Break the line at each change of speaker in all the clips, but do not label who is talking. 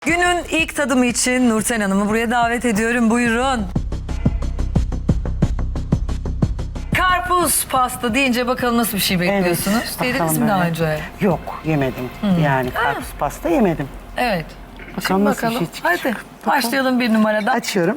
Günün ilk tadımı için Nurten Hanım'ı buraya davet ediyorum. Buyurun. Karpuz pasta deyince bakalım nasıl bir şey bekliyorsunuz? Yediniz
bakalım
mi daha
böyle.
önce?
Yok, yemedim. Yani karpuz pasta yemedim.
Evet.
Bakalım
Şimdi
nasıl bir
bakalım.
şey çıkacak.
Hadi
Bakalım.
başlayalım bir numaradan.
Açıyorum.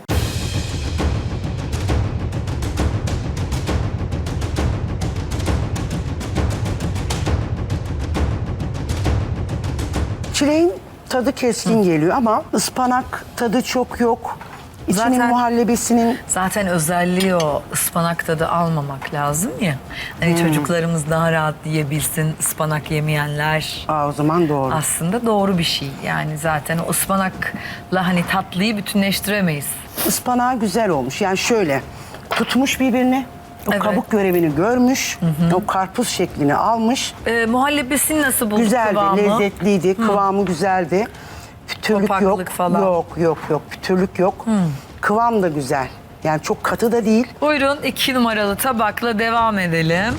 Çileğin tadı keskin geliyor ama ıspanak tadı çok yok. İçinin
Zaten-
muhallebisinin
Zaten özelliği o, ıspanak tadı almamak lazım ya. Hani çocuklarımız daha rahat yiyebilsin, ıspanak yemeyenler.
o zaman doğru.
Aslında doğru bir şey. Yani zaten o ıspanakla hani tatlıyı bütünleştiremeyiz.
Ispanağı güzel olmuş. Yani şöyle tutmuş birbirini. O
Evet.
kabuk görevini görmüş. O karpuz şeklini almış.
Muhallebisini nasıl bulduk
Güzeldi,
kıvamı?
lezzetliydi, kıvamı güzeldi. Pütürlük yok.
Topaklık falan.
Yok, pütürlük yok. Kıvam da güzel. Yani çok katı da değil.
Buyurun 2 numaralı tabakla devam edelim.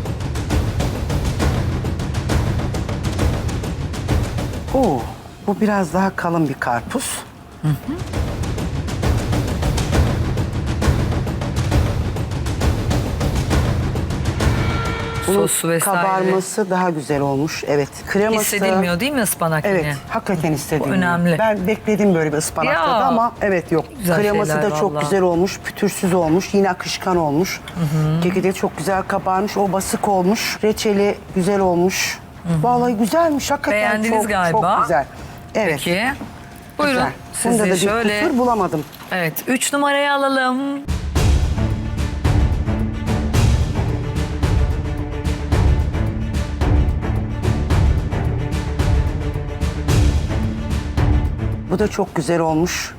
Oo, bu biraz daha kalın bir karpuz. Bunun
Sosu vesaire.
kabarması daha güzel olmuş. Evet. Kreması.
Hissedilmiyor değil mi ıspanak
Evet,
yine?
hakikaten hissedilmiyor.
Bu önemli.
Ben bekledim böyle bir ıspanak
Ya.
tadı ama evet yok.
Güzel
Kreması
şeyler
da çok
vallahi.
güzel olmuş, pütürsüz olmuş, yine akışkan olmuş. Keki de çok güzel kabarmış, o basık olmuş. Reçeli güzel olmuş. Vallahi güzelmiş, hakikaten
Beğendiniz
çok,
galiba.
çok güzel. Evet,
Peki. Buyurun
güzel. Bunda da
sizi
bir
şöyle...
kusur bulamadım.
Evet 3 numarayı alalım.
Bu da çok güzel olmuş.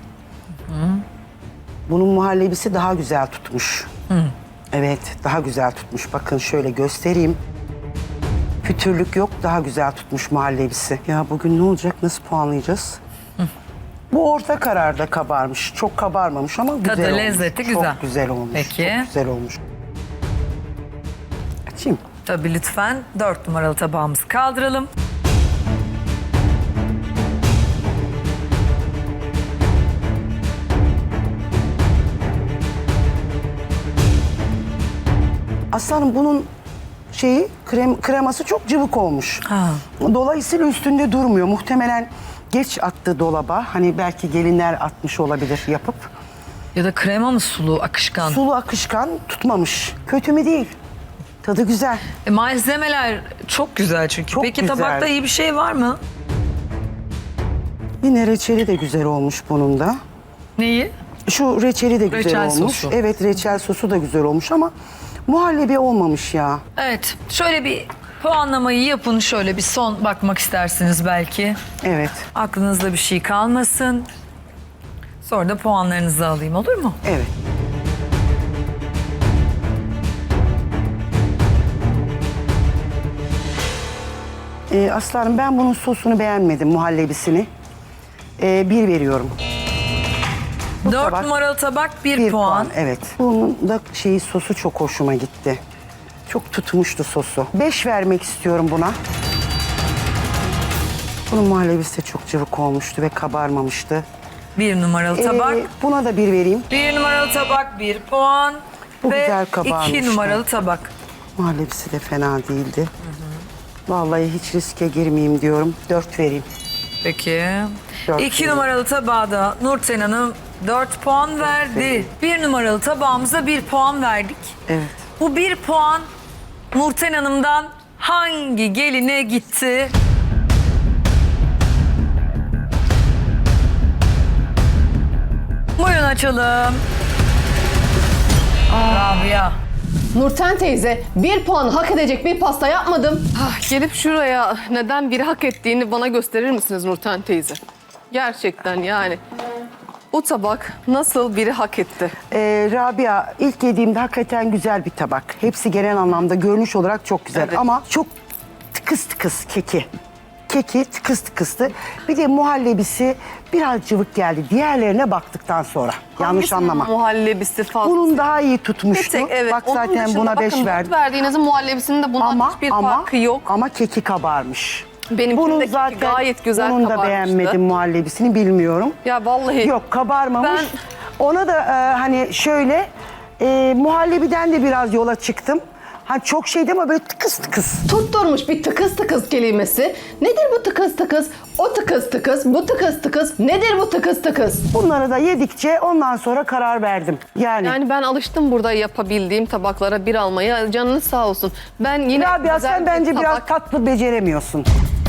Bunun muhallebisi daha güzel tutmuş. Evet, daha güzel tutmuş. Bakın şöyle göstereyim. Pütürlük yok, daha güzel tutmuş muhallebisi. Ya bugün ne olacak, nasıl puanlayacağız? Bu orta kararda kabarmış. Çok kabarmamış ama güzel
Tadı,
olmuş.
lezzeti
Çok
güzel.
güzel olmuş.
Peki.
Çok güzel olmuş. Açayım.
Tabii lütfen 4 numaralı tabağımızı kaldıralım.
Aslanım bunun kreması çok cıvık olmuş.
Ha.
Dolayısıyla üstünde durmuyor. Muhtemelen geç attı dolaba. Hani belki gelinler atmış olabilir yapıp.
Ya da krema mı sulu, akışkan?
Sulu akışkan tutmamış. Kötü mü değil. Tadı güzel.
Malzemeler çok güzel çünkü.
Çok
Peki
güzel.
tabakta iyi bir şey var mı?
Yine reçeli de güzel olmuş bunun da.
Neyi?
Şu reçeli de güzel
Reçel
olmuş.
sosu.
Evet, reçel sosu da güzel olmuş ama muhallebi olmamış ya.
Evet şöyle bir puanlamayı yapın. Şöyle bir son bakmak istersiniz belki.
Evet.
Aklınızda bir şey kalmasın. Sonra da puanlarınızı alayım, olur mu?
Evet. Aslanım ben bunun sosunu beğenmedim, muhallebisini. 1 veriyorum.
4
tabak-
numaralı tabak 1
Bir
puan.
Evet. Bunun da sosu çok hoşuma gitti. Çok tutmuştu sosu. 5 vermek istiyorum buna. Bunun muhallebisi de çok cıvık olmuştu ve kabarmamıştı.
1 numaralı tabak.
Buna da 1 vereyim.
1 numaralı tabak 1 puan.
Bu
Ve
güzel kabarmıştı.
2 numaralı tabak.
Muhallebisi de fena değildi. Vallahi hiç riske girmeyeyim diyorum. 4 vereyim.
Peki.
Dört
2
numara.
numaralı tabağda Nurten Hanım 4 puan verdi. 1 numaralı tabağımıza 1 puan verdik.
Evet.
Bu 1 puan Nurten Hanım'dan hangi geline gitti? Buyurun açalım. Rabia.
Nurten teyze, 1 puan hak edecek bir pasta yapmadım.
Gelip şuraya neden biri hak ettiğini bana gösterir misiniz Nurten teyze? Gerçekten yani. Bu tabak nasıl biri hak etti?
Rabia ilk yediğimde hakikaten güzel bir tabak. Hepsi genel anlamda görünüş olarak çok güzel
Evet.
ama çok tıkıs tıkıs keki. Keki tıkıs tıkıstı. Bir de muhallebisi biraz cıvık geldi. Diğerlerine baktıktan sonra. Yanlış
Hangisinin
anlama.
muhallebisi fazla?
Bunun daha iyi
Bir
tutmuştu.
tek evet.
Bak
Onun
zaten
dışında
buna 5
bakın,
verdim.
verdiğinizin muhallebisinin de bundan hiçbir farkı yok.
Ama keki kabarmış.
Benimkinin de gayet güzel
bunun da
kabarmıştı.
beğenmedim muhallebisini, bilmiyorum.
Ya vallahi.
Yok, kabarmamış.
Ben-
Ona da hani şöyle muhallebiden de biraz yola çıktım. Hani çok şeydi ama böyle tıkız tıkız.
Tutturmuş bir tıkız tıkız kelimesi. Nedir bu tıkız tıkız? O tıkız tıkız, bu tıkız tıkız. Nedir bu tıkız tıkız?
Bunları da yedikçe ondan sonra karar verdim.
Yani ben alıştım burada yapabildiğim tabaklara bir almaya. Canınız sağ olsun. Ben yine
Rabia,
güzel
sen
bir
bence biraz
tabak-
tatlı beceremiyorsun.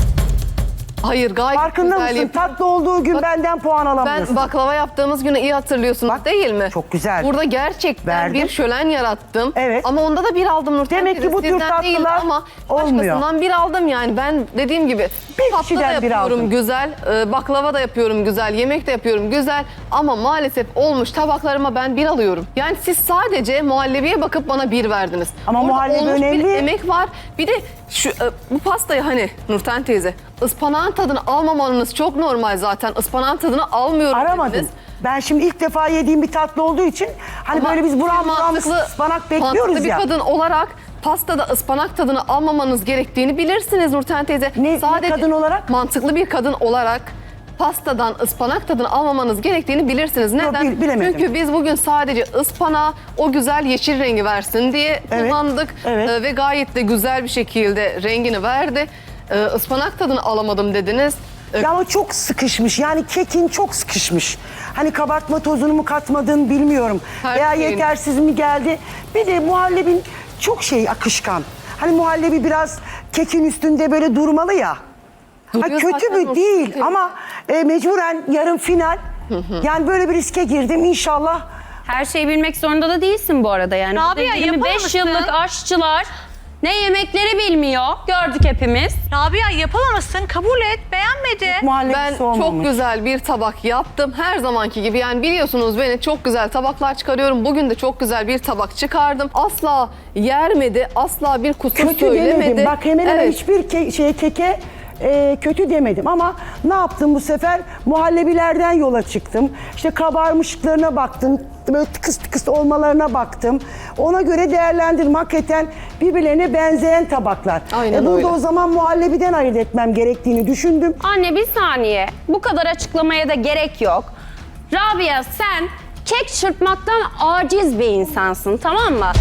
Hayır, gayet
Farkında
güzel
mısın?
yapıyorum.
Tatlı olduğu gün
Bak,
benden puan alamıyorsun.
Ben baklava yaptığımız günü iyi hatırlıyorsunuz
Bak,
değil mi?
çok güzel.
Burada gerçekten
Verdim.
bir şölen yarattım.
Evet.
Ama onda da bir aldım Nurten
Demek ki
teyze.
bu tür
Sizden değil
tatlılar
ama
olmuyor.
başkasından bir aldım yani. Ben dediğim gibi
Bir
tatlı da
kişiden bir
yapıyorum
aldın.
güzel, baklava da yapıyorum güzel, yemek de yapıyorum güzel. Ama maalesef olmuş tabaklarıma ben bir alıyorum. Yani siz sadece muhallebiye bakıp bana bir verdiniz.
Ama
Orada
muhallebi
olmuş bir
önemli.
emek var. Bir de şu bu pastayı hani Nurten teyze ıspanağın tadını almamanız çok normal zaten. Ispanağın tadını almıyorum
Aramadım.
dediniz.
Ben şimdi ilk defa yediğim bir tatlı olduğu için hani
Ama
böyle biz buram buram
mantıklı-
ıspanak bekliyoruz
mantıklı
ya.
bir kadın olarak pastada ıspanak tadını almamanız gerektiğini bilirsiniz Nurten teyze.
Ne kadın olarak?
Mantıklı bir kadın olarak pastadan ıspanak tadını almamanız gerektiğini bilirsiniz. Neden?
bilemedim.
Çünkü biz bugün sadece ıspanağı o güzel yeşil rengi versin diye
Evet,
kullandık.
evet.
Ve gayet de güzel bir şekilde rengini verdi. Ispanak tadını alamadım dediniz.
Ya ama çok sıkışmış. Yani kekin çok sıkışmış. Hani kabartma tozunu mu katmadın bilmiyorum.
Her
Veya
şeyin.
yetersiz mi geldi? Bir de muhallebin çok akışkan. Hani muhallebi biraz kekin üstünde böyle durmalı ya.
Duruyor
kötü
zaten
mü
o
değil
keki.
ama mecburen yarın final. Yani böyle bir riske girdim inşallah.
Her şeyi bilmek zorunda da değilsin bu arada yani.
Rabia,
Burada 25
yapamamışsın.
yıllık aşçılar ne yemekleri bilmiyor. Gördük hepimiz.
Rabia yapamamışsın, kabul et, beğenmedi.
Muhallebisi
Ben
olmamış.
çok güzel bir tabak yaptım. Her zamanki gibi yani biliyorsunuz beni çok güzel tabaklar çıkarıyorum. Bugün de çok güzel bir tabak çıkardım. Asla yermedi, asla bir kusur
Kötü
söylemedi.
demedim. Bak hemen hemen
Evet.
hiçbir keke kötü demedim ama ne yaptım bu sefer? Muhallebilerden yola çıktım. İşte kabarmışlıklarına baktım. Böyle tıkıs tıkıs olmalarına baktım. Ona göre değerlendirdim. Hakikaten birbirlerine benzeyen tabaklar.
Aynen
burada
öyle.
o zaman muhallebiden ayırt etmem gerektiğini düşündüm.
Anne bir saniye. Bu kadar açıklamaya da gerek yok. Rabia sen kek çırpmaktan aciz bir insansın, tamam mı?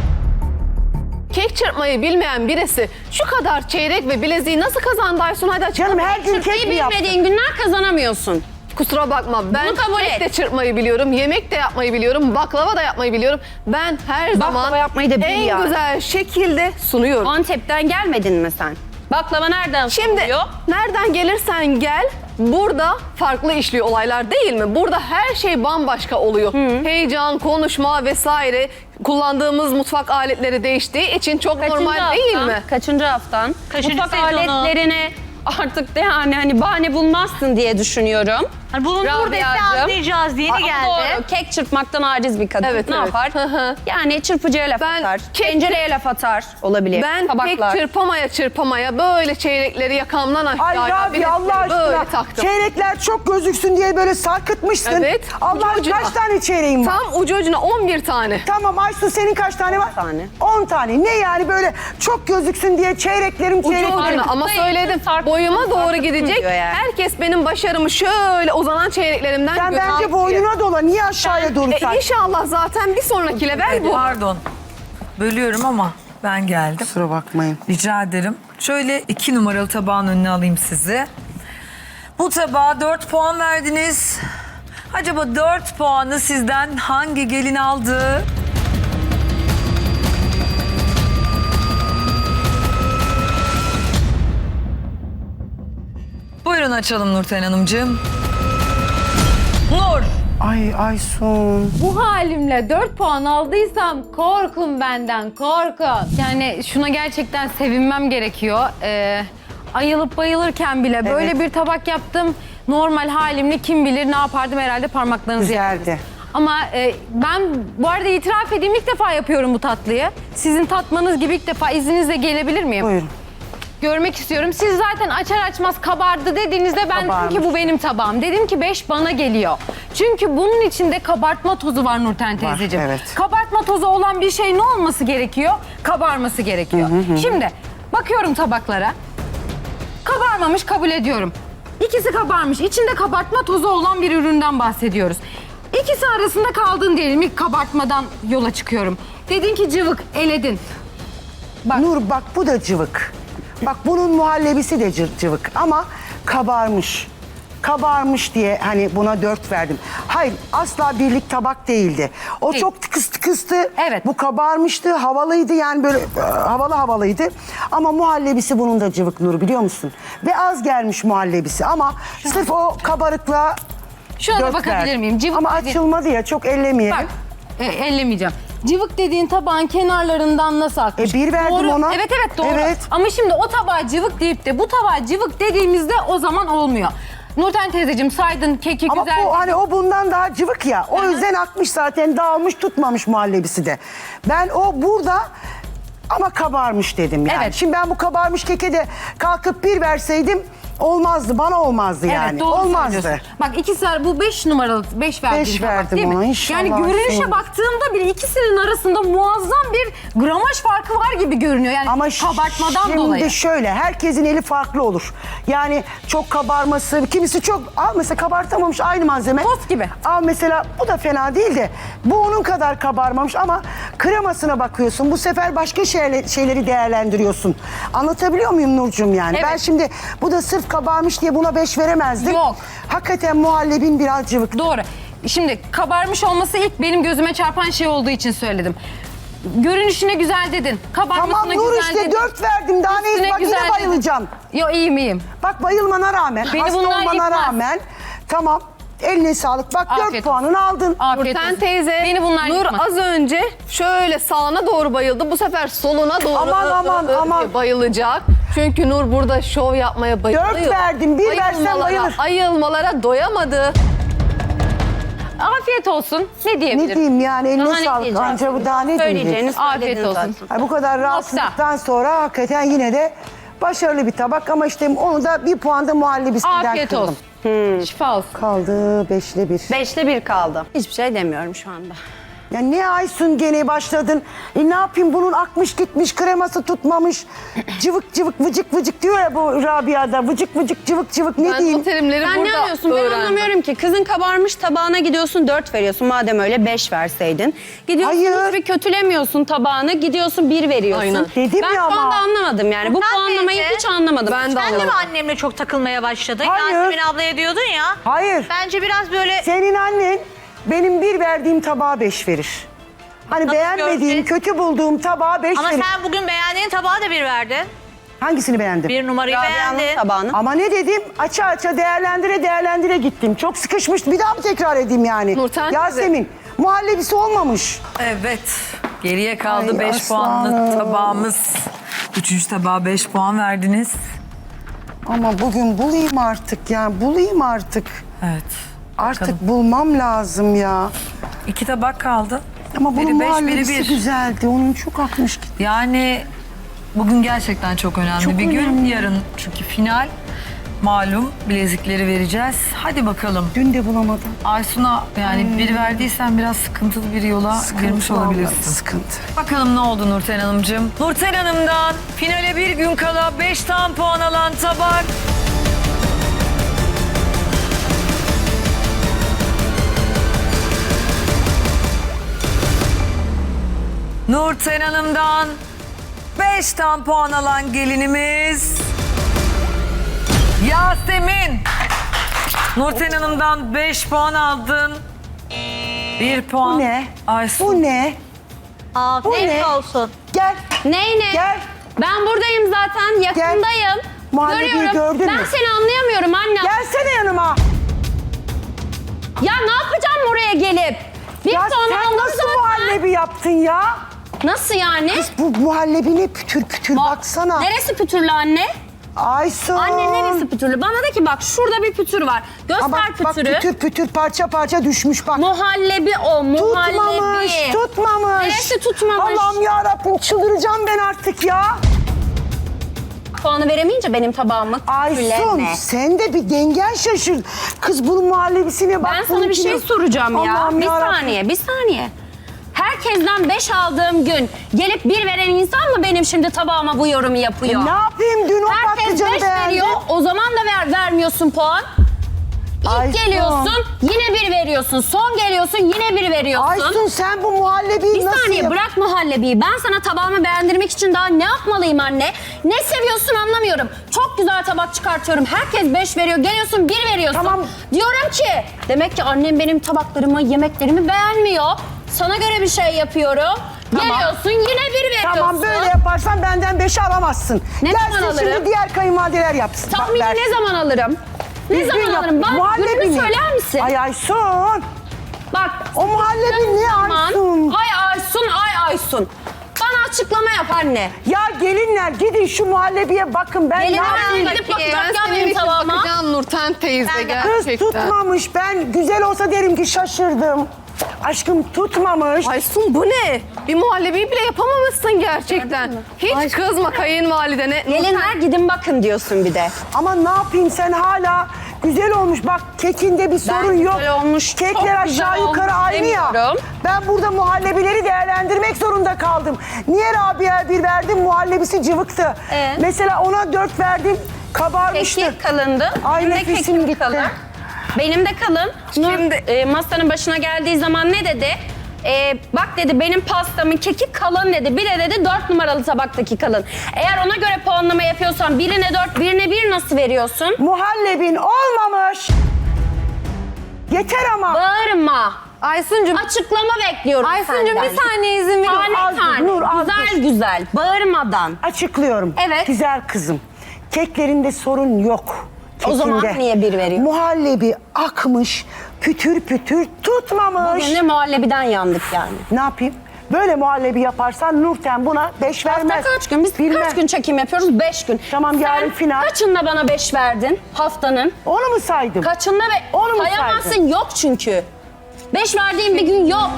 Kek çırpmayı bilmeyen birisi şu kadar çeyrek ve bileziği nasıl kazandı Aysun? Hadi açıkla.
Canım her gün kek mi
Çırpmayı
yaptın?
bilmediğin günler kazanamıyorsun.
Kusura bakma. Ben
kabul
kek
et.
de çırpmayı biliyorum, yemek de yapmayı biliyorum, baklava da yapmayı biliyorum. Ben her zaman
yapmayı da bil
en
yani.
güzel şekilde sunuyorum.
Antep'ten gelmedin mi sen? Baklava nereden
Şimdi
sunuluyor?
nereden gelirsen gel burada farklı işliyor olaylar değil mi? Burada her şey bambaşka oluyor. Heyecan, konuşma vesaire kullandığımız mutfak aletleri değiştiği için çok normal değil mi?
Kaçıncı haftan?
Kaçıncı
Mutfak
sezonu?
aletlerine artık de yani hani bahane bulmazsın diye düşünüyorum.
Hani bulundu burada işte
Rabia'cığım.
anlayacağız, yeni
Ama
geldi.
Doğru, kek çırpmaktan aciz bir kadın.
Evet,
ne
evet.
yapar?
Hı hı.
Yani çırpıcıya laf
Ben
atar,
kek-
tencereye laf atar olabilir.
Ben
Tabaklar.
pek çırpamaya böyle çeyrekleri yakamdan
Ay
aşağıya
Rabia Allah
böyle
aşkına
taktım.
çeyrekler çok gözüksün diye böyle sarkıtmışsın.
Evet,
Allah
ucu ucuna.
kaç tane çeyreğin var?
Tam ucu ucuna 11 tane.
Tamam Aysun senin kaç tane var?
10 tane.
10 tane. Ne yani böyle çok gözüksün diye çeyreklerim
Ucu ucuna ama
sayısı
söyledim
sarkıtma,
boyuma doğru
sarkıtma
gidecek.
diyor yani.
Herkes benim başarımı şöyle uzanan çeyreklerimden
Sen
görüyor.
bence boynuna dola. Niye aşağıya doğru sen?
İnşallah zaten bir sonraki level bu.
Pardon. Bölüyorum ama ben geldim.
Kusura bakmayın.
Rica ederim. Şöyle 2 numaralı tabağın önüne alayım sizi. Bu tabağa 4 puan verdiniz. Acaba 4 puanı sizden hangi gelin aldı? Buyurun açalım Nurten Hanımcığım. Nur.
Ay Aysun.
Bu halimle 4 puan aldıysam korkun benden, korkun. Yani şuna gerçekten sevinmem gerekiyor. Ayılıp bayılırken bile böyle bir tabak yaptım. Normal halimle kim bilir ne yapardım, herhalde parmaklarınızı
Güzeldi.
yerdiniz. Ama ben bu arada itiraf edeyim, ilk defa yapıyorum bu tatlıyı. Sizin tatmanız gibi ilk defa, izninizle gelebilir miyim?
Buyurun.
Görmek istiyorum. Siz zaten açar açmaz kabardı dediğinizde ben
Kabarmış.
dedim ki bu benim tabağım. Dedim ki 5 bana geliyor. Çünkü bunun içinde kabartma tozu var Nurten teyzeciğim.
evet.
Kabartma tozu olan bir şey ne olması gerekiyor? Kabarması gerekiyor. Şimdi bakıyorum tabaklara. kabarmamış, kabul ediyorum. İkisi kabarmış. İçinde kabartma tozu olan bir üründen bahsediyoruz. İkisi arasında kaldın diyelim. İlk kabartmadan yola çıkıyorum. Dedin ki cıvık, eledin.
Nur bak bu da cıvık. Bak bunun muhallebisi de cıvık ama kabarmış. Kabarmış diye hani buna 4 verdim. Hayır asla birlik tabak değildi. O
Değil.
çok kıstı.
Evet.
Bu kabarmıştı, havalıydı yani böyle havalıydı. Ama muhallebisi bunun da cıvık Nur biliyor musun? Ve az gelmiş muhallebisi ama sırf o kabarıkla
Şuna da
4
bakabilir
verdim.
miyim? Cıvık
Ama
dedi-
açılmadı ya çok ellemeyelim.
Bak, ellemeyeceğim. Cıvık dediğin tabağın kenarlarından nasıl akmış?
1 verdim
Doğru.
ona.
Evet doğru.
Evet.
Ama şimdi o tabağa cıvık deyip de bu tabağa cıvık dediğimizde o zaman olmuyor. Nurten teyzeciğim saydın keki
Ama
güzel.
bu hani o bundan daha cıvık ya. O yüzden akmış zaten dağılmış tutmamış muhallebisi de. Ben o burada ama kabarmış dedim yani.
Evet.
Şimdi ben bu kabarmış keke de kalkıp 1 verseydim olmazdı. Bana olmazdı yani.
Evet doğru
olmazdı.
söylüyorsun. Bak ikisi bu 5 numaralı 5 verdiğin
Beş
tabak
verdim
değil mi?
ona, inşallah
Yani görünüşe
olsun.
baktığımda bile ikisinin arasında muazzam bir gramaj farkı var gibi görünüyor. Yani
Ama
kabartmadan
şimdi
dolayı.
şöyle herkesin eli farklı olur. Yani çok kabarması, kimisi çok al mesela kabartamamış aynı malzeme.
Tost gibi.
Al mesela bu da fena değil de bu onun kadar kabarmamış ama kremasına bakıyorsun. Bu sefer başka şeyleri değerlendiriyorsun. Anlatabiliyor muyum Nurcuğum yani?
Evet.
Ben şimdi bu da sırf kabarmış diye buna 5 veremezdim.
Yok.
Hakikaten muhallebin biraz cıvık.
Doğru. Şimdi kabarmış olması ilk benim gözüme çarpan şey olduğu için söyledim. Görünüşüne güzel dedin. Kabarmasına
Tamam Nur
güzel
işte
dedin.
4 verdim. Daha
Üstüne
ne? Bak yine
güzel dedin.
bayılacağım.
Yo iyiyim.
Bak bayılmana rağmen,
Beni
hasta
bunlar
olmana
yıkmaz.
rağmen tamam eline sağlık. Bak 4
Afiyet
puanını aldın.
Afiyet
Nurten
olsun.
teyze,
Beni bunlar
Nur
yıkmaz.
az önce şöyle sağına doğru bayıldı. Bu sefer soluna doğru
Aman.
bayılacak. Çünkü Nur burada şov yapmaya bayılıyor.
4 verdim, 1 versen bayılır.
Ayılmalara doyamadı.
Afiyet olsun. Ne diyebilirim?
Ne diyeyim yani eline
Daha ne
sağlık.
diyeceğim?
Anca bu daha ne diyecek?
Söyleyeceğini
Afiyet
söyledin
olsun.
zaten.
Ay, bu kadar rahatsızlıktan sonra hakikaten yine de başarılı bir tabak ama işte onu da 1 puan da muhallebisinden
Afiyet
kırdım.
olsun. Şifa olsun.
Kaldı 5'le 1.
5'te 1 kaldı. Hiçbir şey demiyorum şu anda.
Ya ne Aysun gene başladın? Ne yapayım bunun akmış gitmiş kreması tutmamış. Cıvık cıvık vıcık vıcık diyor ya bu Rabia'da. Vıcık vıcık cıvık cıvık ne
Ben
diyeyim?
o terimleri
Sen ne
burada
anlıyorsun? Ben
öğrendim.
anlamıyorum ki. Kızın kabarmış tabağına gidiyorsun 4 veriyorsun. Madem öyle 5 verseydin. Gidiyorsun
Hayır.
hiçbir kötülemiyorsun tabağını. Gidiyorsun 1 veriyorsun.
Aynen.
Dedim
ben
ya
şu
ama.
anda anlamadım yani. Bu
Nurten
puanlamayı
teyze,
hiç anlamadım.
Ben de
Sen de mi
anlamadım.
annemle çok takılmaya başladın?
Hayır.
Yasemin ablaya diyordun ya.
Hayır.
Bence biraz böyle
Senin annen benim 1 verdiğim tabağa 5 verir. Hani
Nasıl
beğenmediğim,
gördün?
kötü bulduğum tabağa 5
ama
verir.
sen bugün beğendiğin tabağa da 1 verdin.
Hangisini beğendin?
1 numarayı
Rabia'nın
beğendin.
tabağını.
Ama ne dedim? Aça aça değerlendire gittim. Çok sıkışmıştı. Bir daha mı tekrar edeyim yani?
Nurten
Yasemin, muhallebisi olmamış.
Evet. Geriye kaldı
Ay
5 puanlık
aslanım.
tabağımız. 3. tabağa 5 puan verdiniz.
Ama bugün bulayım artık ya. Bulayım artık.
Evet.
Artık bulmam lazım ya.
2 tabak kaldı.
Ama bunun
Biri 5, biri
muhallebisi
1.
güzeldi. Onun çok akmış gitti.
Yani bugün gerçekten çok önemli
Çok
bir gün.
önemli.
Yarın çünkü final. Malum bilezikleri vereceğiz. Hadi bakalım.
Dün de bulamadım.
Aysun'a yani 1 verdiysen biraz sıkıntılı bir yola girmiş
vallahi,
olabilirsin.
Sıkıntı.
Bakalım ne oldu Nurten Hanımcığım? Nurten Hanım'dan finale bir gün kala 5 tam puan alan tabak. Nurten Hanım'dan 5 tam puan alan gelinimiz Yasemin. Nurten Hanım'dan 5 puan aldın. 1 puan.
Bu ne?
Aysun.
Bu ne?
Afiyet
ne?
olsun.
Gel.
Ney ne?
Gel.
Ben buradayım zaten. Yakındayım.
Muhallebiyi
Görüyorum.
gördün
Ben
mü?
seni anlayamıyorum anne.
Gelsene yanıma.
Ya ne yapacağım oraya gelip? Bir
Ya
puan
sen
aldım
nasıl
zaten.
muhallebi yaptın ya?
Nasıl yani?
Bu muhallebi ne pütür pütür baksana.
Neresi pütürlü anne?
Aysun.
Anne neresi pütürlü? Bana de ki bak şurada bir pütür var. Göster
Aa, bak
pütürü.
pütür pütür parça parça düşmüş bak.
Muhallebi o, muhallebi.
Tutmamış.
Neresi tutmamış?
Allah'ım yarabbim çıldıracağım ben artık ya.
Puanı veremeyince benim tabağımı
Aysun
küfürleme.
sen de bir dengen şaşır. Kız bunun muhallebisine bak.
Ben sana bir şey
bununkine-
soracağım ya.
Allah'ım
Bir
yarabbim.
saniye, bir saniye. Herkes herkesten 5 aldığım gün gelip 1 veren insan mı benim şimdi tabağıma bu yorumu yapıyor?
Ne yapayım, dün o
Herkes
patlıcanı
5
beğendim.
veriyor, o zaman da vermiyorsun puan. İlk
Aysun.
geliyorsun, yine 1 veriyorsun. Son geliyorsun, yine 1 veriyorsun.
Aysun sen bu muhallebiyi
Bir
nasıl
saniye
yap-
bırak muhallebiyi. Ben sana tabağımı beğendirmek için daha ne yapmalıyım anne? Ne seviyorsun anlamıyorum. Çok güzel tabak çıkartıyorum. Herkes 5 veriyor. Geliyorsun 1 veriyorsun.
Tamam.
Diyorum ki demek ki annem benim tabaklarımı, yemeklerimi beğenmiyor. Sana göre bir şey yapıyorum. Geliyorsun yine 1 veriyorsun.
Tamam, böyle yaparsan benden 5'i alamazsın.
Ne zaman
Gelsin
alırım?
şimdi diğer kayınvalideler yapsın.
Tahmini
Bak,
ne zaman alırım? Ne
düzgün
zaman
yap.
alırım? Bana
Muhallebi
gününü
mi?
söyler misin?
Ay Aysun.
Bak.
O muhallebi ne
Aman.
Aysun?
Ay Aysun, ay Aysun. Bana açıklama yap anne.
Ya gelinler gidin şu muhallebiye bakın, ben
Gelin
ne
hemen
yapayım?
gidip
Ben
bakacak ya
senin
benim
için
tabağıma.
bakacağım Nurten teyze
Ben de-
Kız
gerçekten.
tutmamış, ben güzel olsa derim ki şaşırdım. Aşkım tutmamış.
Aysun bu ne? Bir muhallebiyi bile yapamamışsın gerçekten. Hiç kızma kayınvalidene.
Gelinler gidin bakın diyorsun bir de.
Ama ne yapayım, sen hala güzel olmuş. Bak kekinde bir sorun yok.
güzel olmuş,
Kekler
çok
aşağı
güzel
yukarı
olmuş
aynı ya.
demiyorum.
Ben burada muhallebileri değerlendirmek zorunda kaldım. Niye Rabia'ya 1 verdim? Muhallebisi cıvıktı. Mesela ona 4 verdim. Kabarmıştı.
Kekik kalındı.
Ay,
Benim de
nefesim
kekim
gitti.
kalın. Benim de kalın. Nur masanın başına geldiği zaman ne dedi? Bak dedi benim pastamın keki kalın dedi. Bir de dedi 4 numaralı tabaktaki kalın. Eğer ona göre puanlama yapıyorsan birine 4, birine 1 nasıl veriyorsun?
Muhallebin olmamış. Yeter ama.
Bağırma.
Aysun'cum,
Açıklama bekliyorum
Aysun'cum
senden.
bir saniye izin verin.
Tane
Az dur,
tane.
Nur, az
güzel
dur.
güzel. Bağırmadan.
Açıklıyorum.
Evet.
Güzel kızım. Keklerinde sorun yok.
O zaman
Kekinde.
niye 1 veriyor?
Muhallebi akmış, pütür pütür tutmamış.
Bugün de muhallebiden yandık yani.
Ne yapayım? Böyle muhallebi yaparsan Nurten buna 5 vermez.
Hafta kaç gün? Biz
Bilmem.
kaç gün çekim yapıyoruz? 5 gün.
Tamam, yarın
Sen
final.
kaçında bana 5 verdin haftanın?
Onu mu saydım?
Kaçında
Onu mu
sayamazsın,
saydın?
yok çünkü. 5 verdiğin bir gün yok.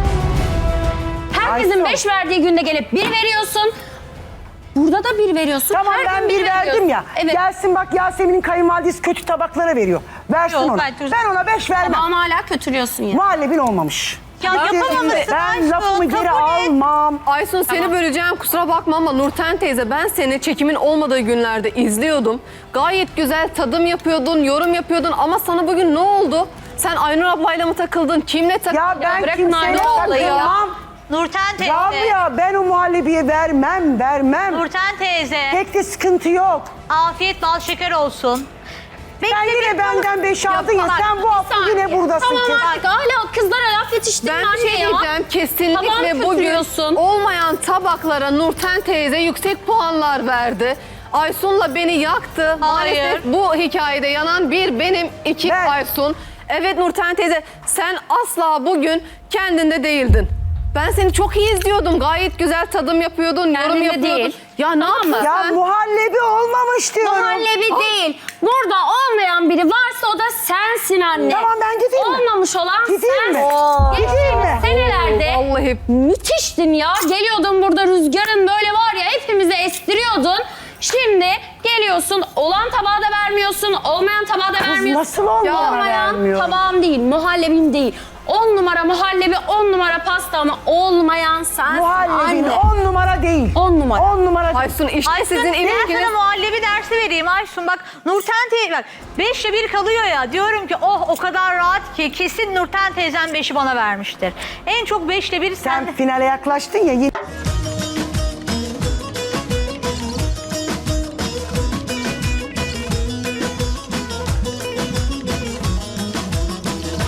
Herkesin
Aysun.
5 verdiği günde gelip 1 veriyorsun. Burada da 1 veriyorsun.
Tamam,
her
ben
gün
1 verdim
veriyorsun.
ya.
Evet.
Gelsin bak, Yasemin'in kayınvalidesi kötü tabaklara veriyor. Versin
Yok,
onu.
ben-
Ben ona 5 vermem.
Ama hala kötülüyorsun ya.
Muhallebin olmamış.
Ya yapamamışsın
Ben
Aysun,
lafımı geri
kabul et.
almam.
Aysun seni böleceğim kusura bakma ama Nurten teyze ben seni çekimin olmadığı günlerde izliyordum. Gayet güzel tadım yapıyordun, yorum yapıyordun ama sana bugün ne oldu? Sen Aynur ablayla mı takıldın? Kimle takıldın?
Ya ben
bırakın
kimseyle
Aynur ablayı ya.
takılmam.
Nurten teyze.
Rabia, ben o muhallebiye vermem.
Nurten teyze.
Pek de sıkıntı yok.
Afiyet bal şeker olsun.
Sen yine benden 5 aldın ya,
bak,
sen bu
bir
hafta
saniye.
yine buradasın.
Tamam
kız.
artık hala kızlara laf yetiştirme
Ben bir
anne
şey
ya.
diyeceğim. Kesinlikle
Tabağını
bugün
kötülüyorsun.
olmayan tabaklara Nurten teyze yüksek puanlar verdi. Aysun'la beni yaktı.
Hayır.
Maalesef bu hikayede yanan bir benim, 2
Ben.
Aysun. Evet Nurten teyze sen asla bugün kendinde değildin. Ben seni çok iyi izliyordum. Gayet güzel tadım yapıyordun, yorum
Kendinde
yapıyordun.
değil.
Ya ne
Tamam mı?
yaptın
Ya
sen?
muhallebi olmamış diyorum.
Muhallebi değil. Burada olmayan biri varsa o da sensin anne.
Tamam, ben gideyim mi?
Olmamış olan
Gideyim mi?
sensin.
Gideyim mi?
Senelerde
Vallahi
müthiştin ya. Geliyordun burada rüzgarın böyle var ya hepimizi estiriyordun. Şimdi geliyorsun olan tabağı da vermiyorsun, olmayan tabağı da vermiyorsun.
nasıl olmayan vermiyor?
tabağım değil, muhallebim değil. 10 numara muhallebi, 10 numara pasta ama olmayan sensin
Muhallebin
anne.
10 numara değil.
10 numara.
10 numara değil.
Aysun işte
Aysun
sizin
ben
ilişkiniz...
sana muhallebi dersi vereyim Aysun. Bak Nurten teyze bak 5'le 1 kalıyor ya. Diyorum ki oh o kadar rahat ki kesin Nurten teyzem 5'i bana vermiştir. En çok 5'le 1
Sen finale yaklaştın ya.